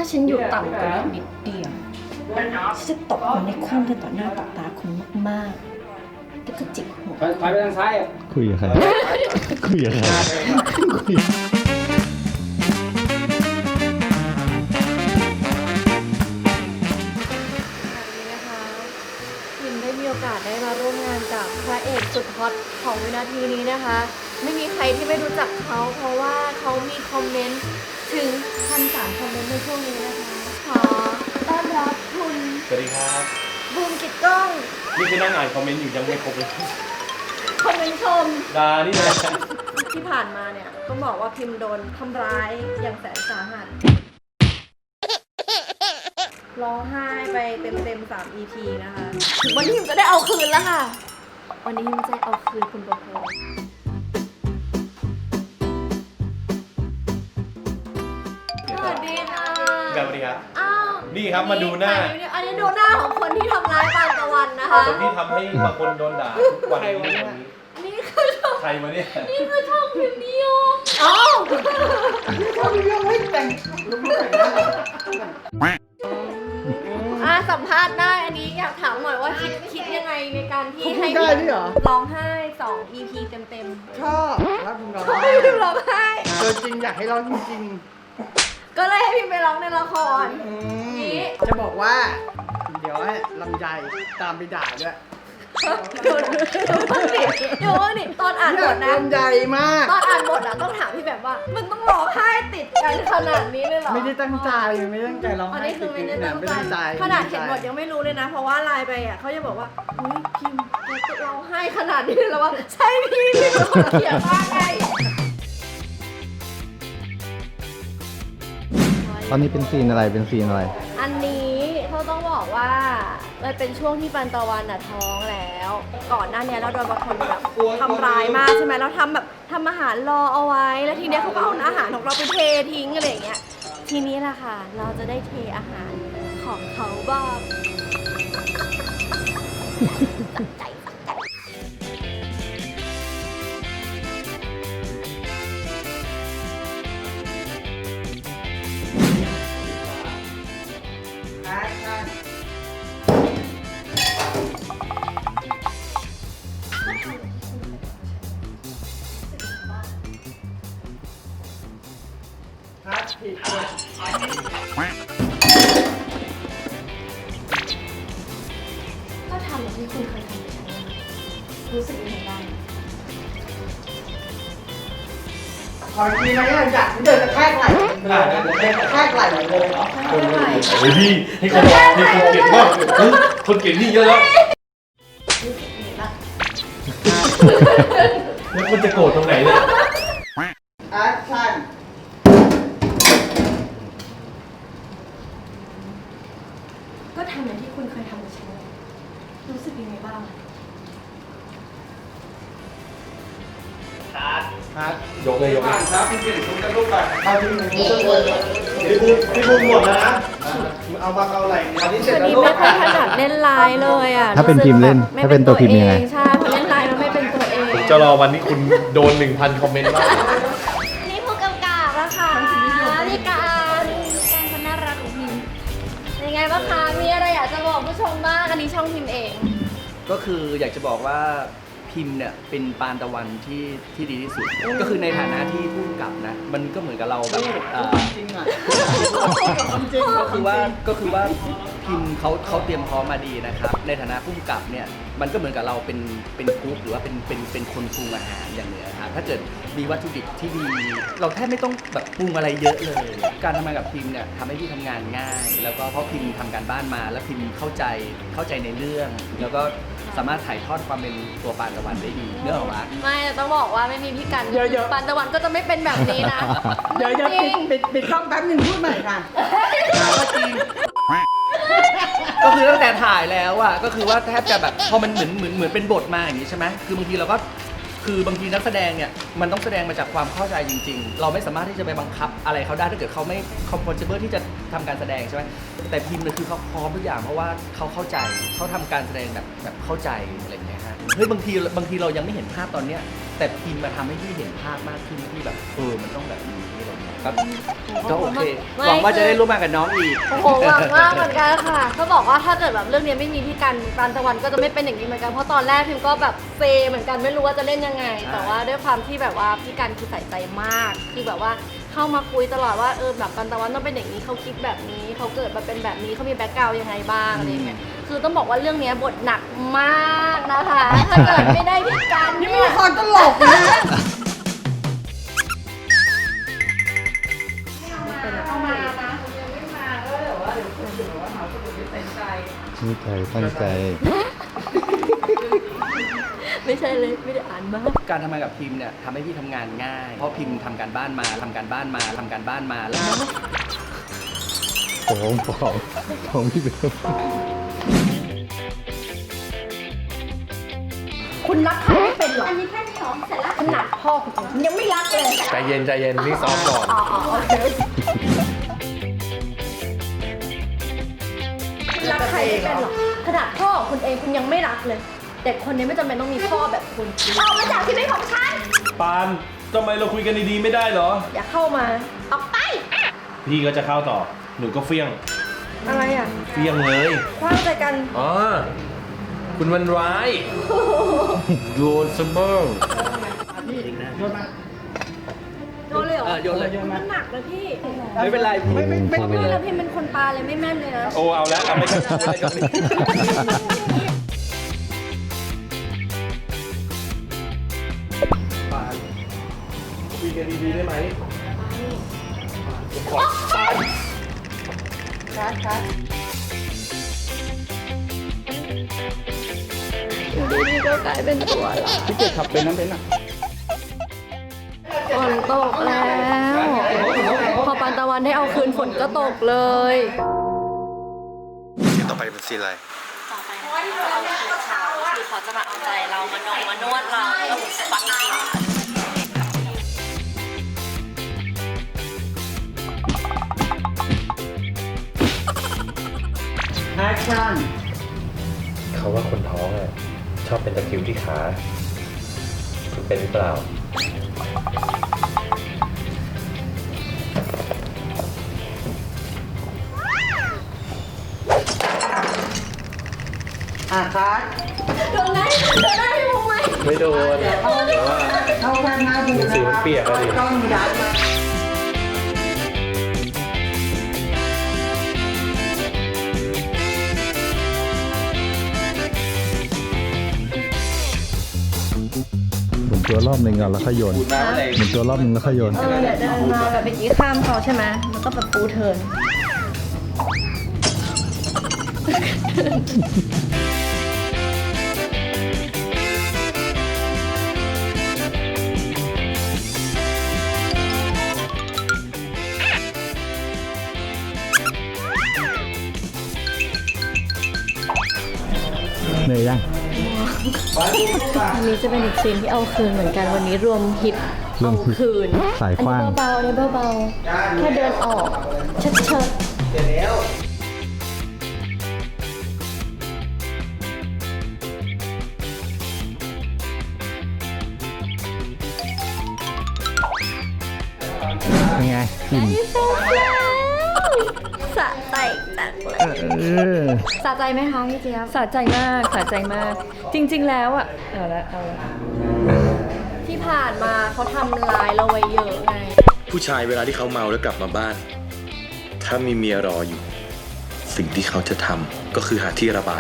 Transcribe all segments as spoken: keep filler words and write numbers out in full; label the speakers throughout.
Speaker 1: ฉันอยู่ต่ำกว่านี้นิดเดียวฉันจะตบมันในคุ้มกันต่อหน้าต่อตาคุณมากๆแล้วก็จิกหัว
Speaker 2: ถอยไปทางซ้ายอ่ะ
Speaker 3: คุยกับใครคุยกับใครคุย
Speaker 1: พิมได้มีโอกาสได้มาร่วมงานกับพระเอกสุดฮอตของวินาทีนี้นะคะไม่มีใครที่ไม่รู้จักเขาเพราะว่าเขามีคอมเมนต์ถึงพันสามคอมเมนต์ในช่วงนี้นะคะขอต้อนรับคุณ
Speaker 4: สวัสดีครับ
Speaker 1: บูมกิตกล้อง
Speaker 4: นี่คือนั่งอ่านคอมเมนต์อยู่ยังไม่ครบเลย
Speaker 1: คอมเมนต์ชม
Speaker 4: ดานี่นะ
Speaker 1: ที่ผ่านมาเนี่ยต้องบอกว่าพิมโดนทำร้ายอย่างแสนสาหัสร้องไห้ไปเต็มๆสาม อี พี นะคะถึงวันนี้พิมจะได้เอาคืนแล้วค่ะวันนี้พิมจะเอาคืนคุณโบโบสวัสดีค่ะ
Speaker 4: สวัสดีครับ
Speaker 1: อ้าว
Speaker 4: นี่ครับมาดูหน้า
Speaker 1: อันนี้ดูหน้าของคนที่ทำร้ายปานตะวันนะคะ
Speaker 4: คนที่ทำให้บางคนโดนด่าทุกวันนี้
Speaker 1: นี่คือช่อง
Speaker 4: ใครมาเนี่ย
Speaker 1: นี่คือช่องพิมนิยมอ้าว
Speaker 2: ช่องเรื่องให้แต่งลุกแต่งหน้า
Speaker 1: อ่ะสัมภาษณ์ได้อันนี้อยากถามหน่อยว่าคิดคิดยังไงในการที่ให้
Speaker 2: ได้ด้วยเหรอ
Speaker 1: ร้องไห้สอง อี พี เต็มๆ
Speaker 2: ชอบรักคุณร้อง
Speaker 1: เขาไม่พิมร้องไห้
Speaker 2: เจอจริงอยากให้ร้องจริง
Speaker 1: ก็เลยให้พิมไปร้องในละคร
Speaker 2: ๆอืม
Speaker 1: นี่
Speaker 2: จะบอกว่า เดี๋ยวให้ลำไยตามไปด่าด้วย
Speaker 1: เดี๋ยวดิเดี๋ยวดิตอนอ่านบทนะ
Speaker 2: ลำไยมาก
Speaker 1: ตอนอ่านบทอะต้องถามพี่แบบว่า มันต้องร้องไห้ติดกันขนาดนี้เลยเหรอ
Speaker 2: ไม่ได้ตั้งใจไม่ได้ตั้งใจร้อง
Speaker 1: อัน
Speaker 2: ไห้
Speaker 1: นี้คือไม่ได้
Speaker 2: ติ
Speaker 1: ตั้ง
Speaker 2: ไม่
Speaker 1: ใจ
Speaker 2: ตั้งใจ
Speaker 1: ขนาดเขียนบทยังไม่รู้เลยนะ เพราะว่าไลน์ไปอ่ะเขาจะบอกว่าเฮ้ยพิมพ์แกจะร้องไห้ขนาดนี้เลยเหรอวะใช่พี่พี่เป็นคนเขียนมาไง
Speaker 3: ตอนนี้เป็นซีนอะไรเป็นซีนอะไร
Speaker 1: อันนี้เขาต้องบอกว่ามันเป็นช่วงที่ปันตะวันน่ะท้องแล้ว ก่อนหน้านี้เราโดนบางคนแบบทำร้ายมากใช่ไหมเราทำแบบทำอาหารรอเอาไว้ แล้วทีเนี้ยเขาก็เอาอาหารของเราไปเททิ้งอะไรอย่างเงี้ยทีนี้แหละค่ะ เราจะได้เทอาหารของเขาบ้างตักใจตักใจ
Speaker 2: แอคชั่น คัดผิดเลย
Speaker 1: ก็ทำอย่างที่คุณเคยทำกับฉันนะคะรู้สึกยังไงบ้าง
Speaker 2: ขอทีนะเนี่ยอยากเดินกระแทกไหล่เลยนะเดินกระแทกไหล่เลยเหรอ
Speaker 4: เฮ้ยพี่ให้คนให้คนเก่งมากเฮ้ยคนเก่งนี่เยอะแล้ว
Speaker 1: รู้สึกยังไงบ้าง
Speaker 4: แล้วมันจะโกรธตรงไหนเนี่ย
Speaker 2: แอคชั่น
Speaker 1: ก็ทำอย่างที่คุณเคยทำกับฉันเลยรู้สึกยังไงบ้าง
Speaker 2: คัด
Speaker 4: ยกเลยยกเลย
Speaker 2: ครับพี่เก่งคุณจะลูกไปเอาที่หนึ่งพี่บุญพี่บุญพี่บุญหมดแล้วนะเอามาเอาไหล่อันนี้เสร็จ
Speaker 1: วัน
Speaker 2: แล้ว
Speaker 1: นี้
Speaker 2: ลูก
Speaker 1: ไม่ค่อยถนัดเล่นไลน์เลยอ่ะ
Speaker 3: ถ้าเป็นพิมพ์เล่น
Speaker 1: ไม่
Speaker 3: ถ้าเป็นตัวพิมพ์ยังไง
Speaker 1: ใช่พอเล่นไลน์แล้วไม่เป็นตัวเอง
Speaker 4: ผมจะรอวันที่คุณโดนหนึ่งพันคอมเมนต์บ้าง
Speaker 1: นี่ผู้กำกับนะคะพี่การการคนน่ารักของพิมยังไงบ้างคะมีอะไรอยากจะบอกผู้ชมบ้างอันนี้ช่องพิมเอง
Speaker 5: ก็คืออยากจะบอกว่าพิมพ์เนี่ยเป็นปานตะวันที่ที่ดีที่สุด ก็คือในฐานะที่ผู้กำกับนะมันก็เหมือนกับเราแบบเอ่อ
Speaker 2: จริงอ่ะ
Speaker 5: จริงก็คือว่าก็คือว่าพิมพ์เขาเขาเตรียมพร้อมมาดีนะครับในฐานะผู้กำกับเนี่ยมันก็เหมือนกับเราเป็นเป็นกุ๊กหรือว่าเป็นเป็นเป็นคนปรุงอาหารอย่างเนี้ยครับถ้าเกิดมีวัตถุดิบที่ดี เราแทบไม่ต้องแบบปรุงอะไรเยอะเลย การทำงานกับพิมพ์เนี่ยทำให้พี่ทำงานง่าย แล้วก็เพราะพิมพ์ทำการบ้านมา แล้วพิมพ์เข้าใจเข้าใจในเรื่อง แล้วก็สามารถถ่ายทอดความเป็นตัวปานตะวันได้ดีเนื้อออกมา
Speaker 1: ไม่แต่ต้องบอกว่าไม่มีพี่กัน
Speaker 2: เยอะๆ
Speaker 1: ปันตะวันก็จะไม่เป็นแบบนี้นะ
Speaker 2: เดี๋ยวจะ
Speaker 1: จ
Speaker 2: ปิ
Speaker 1: ริ
Speaker 2: ด
Speaker 1: ง
Speaker 2: ปิดปิดกล้องแป๊บหนึ่งพูดใหม่ค่ะ
Speaker 5: ก็จริง ก็คือตั้งแต่ถ่ายแล้วอะก็คือว่าแทบจะแบบพอมันเหมือนเหมือนเหมือนเป็นบทมาอย่างนี้ใช่ไหมคือบางทีเราก็คือบางทีนักแสดงเนี่ยมันต้องแสดงมาจากความเข้าใจจริง ๆ เราไม่สามารถที่จะไปบังคับอะไรเขาได้ถ้าเกิดเขาไม่ comfortable ที่จะทำการแสดงใช่ไหมแต่พิมพ์เนี่ยคือเขาพร้อมทุกอย่างเพราะว่าเขาเข้าใจเขาทำการแสดงแบบแบบเข้าใจอะไรอย่างเงี้ยฮะเฮ้ยบางทีบางทีเรายังไม่เห็นภาพตอนเนี้ยแต่พิมพ์มาทำให้พี่เห็นภาพมากขึ้นที่แบบเออมันต้องแบบนี้อะไรอย่างเงี้ยครับก็โอเคหวังว่าจะได้ร่วมงานกับน้องอีก
Speaker 1: โอ้โหหวังมากเหมือนกันค่ะเขาบอกว่าถ้าเกิดแบบเรื่องนี้ไม่มีพี่กันปานตะวันก็จะไม่เป็นอย่างนี้เหมือนกันเพราะตอนแรกพิมก็แบบเซเหมือนกันไม่รู้ว่าจะเล่นยังไง แต่ว่าด้วยความที่แบบว่าพี่กันคือใส่ใจมาก คือแบบว่าเข้ามาคุยตลอดว่าเออแบบปานตะวันต้องเป็นอย่างนี้เขาคิดแบบนี้เขาเกิดมาเป็นแบบนี้เขามีแบ็คกราวด์ยังไงบ้างอะไรเงี้ยคือต้องบอกว่าเรื่องนี้บทหนักมากนะคะถ้าเกิดไม่ได้พี่กันเนี่ย
Speaker 2: คนตลกนะ
Speaker 1: เข้ามานะ
Speaker 3: นี่ใจตั้งใจ
Speaker 1: ไม่ใช่เลยไม่ได้อ่านมาก
Speaker 5: การทำงานกับพิมเนี่ยทำให้พี่ทำงานง่าย เพราะพิมทำการบ้านมาทำการบ้านมาทำการบ้านมาแล้ว
Speaker 3: ของของของพี่เบล
Speaker 1: คุณรักใครไม่เป็นหรออันนี้แค่นี้หรอเสร็จแล้วขนาดพ่อคุณยังไม่รักเลย
Speaker 4: ใจเย็นใจเย็นนี่ซ้อมก่อน
Speaker 1: อ๋อโอเครักใครไม่เป็นหรอกขนาดพ่อคุณเองคุณยังไม่รักเลยเด็กคนนี้ไม่จำเป็นต้องมีพ่อแบบคุณออกมาจากชีวิตของฉัน
Speaker 4: ปานทำไมเราคุยกันดีๆไม่ได้เหรอ
Speaker 1: อย่าเข้ามาออกไป
Speaker 4: พี่ก็จะเข้าต่อ หนูก็เฟี้ยง
Speaker 1: อะไรอ่ะ
Speaker 4: เฟี้ยงเลย
Speaker 1: คว้างใจกัน
Speaker 4: อ๋อ คุณมันร้าย โยนสมอง
Speaker 1: โยนเลยเหรอ
Speaker 5: เออโยนเลย
Speaker 1: มันหนักเลยพี่
Speaker 5: ไม่เป็นไรพี่
Speaker 3: ไม่ไม่ไม่
Speaker 1: ไม่แล้วพี่เป็นคนปลาเลยไม่แม่นเลยนะ
Speaker 4: โอ้เอาแล้วเอาไม่กันเอาไม่กันปานคุยกันดีๆได้ไหมขอปาน
Speaker 1: คัดคัดอยู่ดีๆก็กลายเป็นตัวละ
Speaker 2: พี่เกียรติขับเป็นน้ำเป็นอ่ะ
Speaker 1: ฝนตกแล้ว พอปานตะวันได้เอาคืนฝนก็ตกเลย
Speaker 2: ซีนต่อไปเป็นซีนอะไร
Speaker 1: ต่อไปนะคะเราเอาคืนเขาคือเขาจะมาเอาใจเรามานงมานวดเราเราสปาเกตตี้
Speaker 2: แอคชั่น
Speaker 6: เขาว่าคนท้องอ่ะชอบเป็นตะคริวที่ขาคุณเป็นหรือเปล่า
Speaker 2: อ่ะคัด
Speaker 1: โดนไหมโดนไหมพี่มุงไหม
Speaker 6: ไม่โดนแต่ว่า
Speaker 2: เข้าข้างหน้าบู
Speaker 6: หนังสือมันเปียกอะดิ
Speaker 2: ต้องยัดมา
Speaker 3: หมุนตัวรอบหนึ่งก่อนแล้วค่อยโยน
Speaker 5: พูดมาอะไร
Speaker 3: หมุนตัวรอบหนึ่งแล้วค่อยโยน
Speaker 1: เออเดี๋ยวเดินมาแบบเมื่อกี้ข้ามเขาใช่ไหมแล้วก็แบบปูเทิร์น
Speaker 3: เหนื่อยยัง
Speaker 1: อันนี้จะเป็นอีกซีนที่เอาคืนเหมือนกันวันนี้รวมฮิต
Speaker 3: ร
Speaker 1: เอา
Speaker 3: วมฮิต
Speaker 1: คืน
Speaker 3: สายขว้าง
Speaker 1: อันนี้เบาๆอันนี้เบาๆแค่เดินออกเชิดเชิด
Speaker 2: เดี๋ยวแล้ว
Speaker 3: เป็นไงกิน
Speaker 1: นี่เสร็จแล้วสะใจจังเลย
Speaker 3: เออ
Speaker 1: สะใจไหมคะพี่เจี๊ยบ
Speaker 7: สะใจมากสะใจมาก จริง ๆ แล้วอ่ะเอาละเอาละ
Speaker 1: ที่ผ่านมาเขาทำร้ายเราไว้เยอะไง
Speaker 8: ผู้ชายเวลาที่เขาเมาแล้วกลับมาบ้าน ถ้ามีเมียรออยู่ สิ่งที่เขาจะทำก็คือหาที่ระบาย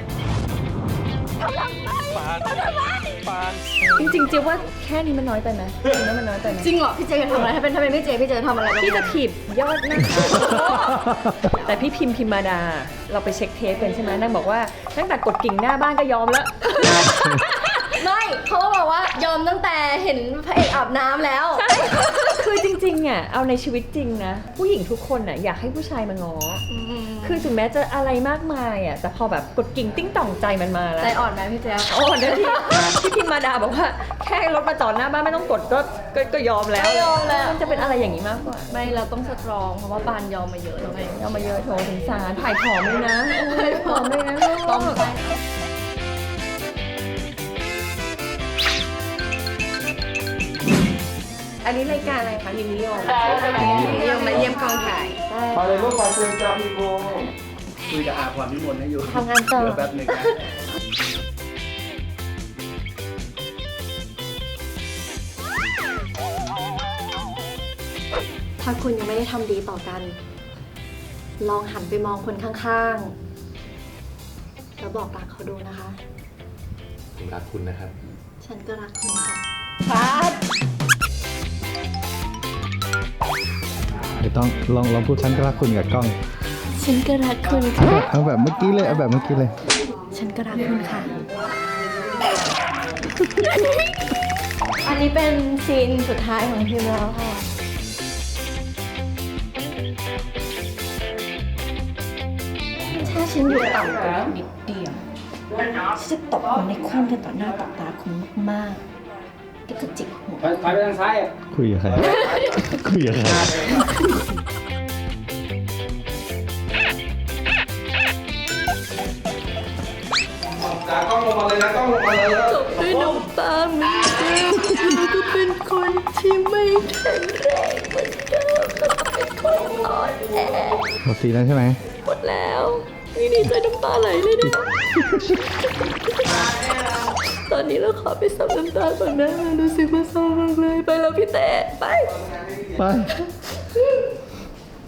Speaker 7: จริงๆเจ๊ยบว่าแค่นี้มันน้อยไปไหมจริงๆแล้วมันน้อยไปไหม
Speaker 1: จริงเหรอพี่เจจะทำอะไรถ้าเป็นถ้าเป็นพี่เจพี่เจจะทำอะไรบ้าง
Speaker 7: พี่จะถีบยอดหนะ แต่พี่พิมพ์พิมมาดา เราไปเช็คเทปกันใช่ไหมนางบอกว่าตั้งแต่กดกิ่งหน้าบ้านก็ยอมแล้ว
Speaker 1: ไม่เขาบอกว่ายอมตั้งแต่เห็นพระเอกอาบน้ำแล้ว
Speaker 7: ใช่ คือจริงๆอ่ะเอาในชีวิตจริงนะ ผู้หญิงทุกคนอ่ะอยากให้ผู้ชายมาง้ออคือถึงแม้จะอะไรมากมายอ่ะแต่พอแบบกดกิ่งติ้งต่องใจมันมาแล้ว
Speaker 1: ใจอ่อนไหมพี่เจ
Speaker 7: โอ้เดี๋ยวที่ที่พิมมาดาบอกว่าแค่รถมาจอดหน้าบ้านไม่ต้องกดก็ก็ก็ยอมแล้ว
Speaker 1: ไม่ยอมแล้ว
Speaker 7: มันจะเป็นอะไรอย่างนี้มากกว่า
Speaker 1: ไม่เราต้องสตรองเพราะว่าปานยอมมาเยอะแล้วไง
Speaker 7: เอามาเยอะโถสงสารถ่ายผอมเลยนะถ่ายผอมเลยนะ
Speaker 1: ต้อง
Speaker 7: ลูก
Speaker 1: ไป
Speaker 7: อ
Speaker 1: อันนี้รายการอะไรคะนิมิโยมนิมิโยมมาเยี่ยมกองถ่าย
Speaker 2: พอเลยลูกมาเชิญจ้าพี่บู
Speaker 5: คุยกับอาความนิมนต์ให้อยู่
Speaker 1: ทำงานต่อ
Speaker 5: เดี๋ยวแป๊บหนึงนะ
Speaker 1: ถ้าคุณยังไม่ได้ทำดีต่อกัน ลองหันไปมองคนข้างๆ แล้วบอกรักเขาดูนะคะ
Speaker 6: ผมรักคุณนะครับ
Speaker 1: ฉันก็รักคุณค่ะพัด
Speaker 3: เดี๋ยวต้องลองลองพูดฉันก็รักคุณกับกล้อง
Speaker 1: ฉันก็รักคุณค่ะ
Speaker 3: เอาแบบเมื่อกี้เลย เอาแบบเมื่อกี้เลย
Speaker 1: ฉันก็รักคุณค่ะ อันนี้เป็นซีนสุดท้ายของพิมแล้วค่ะ ถ้าฉันอยู่ต่ำกว่านิดเดียวฉันจะตบมันในคว่ำกันต่อหน้าต่อตาคุณมากๆแล้วก็จิกหัว
Speaker 3: คุยกับใคร คุยกับใคร
Speaker 2: จ้ากล้องลงมาเลยนะกล้องลงมาเลย
Speaker 1: ด้วยน้ำตาเหมือนเดิมแล้วก็เป็นคนที่ไม่แข็งแรงเหมือนเดิมแล้วก็เป็นคนอ่อนแอ
Speaker 3: หมดซีนแล้วใช่ไหม
Speaker 1: หมดแล้วไม่ดีใจน้ำตาไหลเลยเนี่ยตอนนี้เราขอไปซับน้ำตาก่อนนะรู้สึกว่าเศร้ามากเลยไปแล้วพี่แต่ไป
Speaker 3: ไป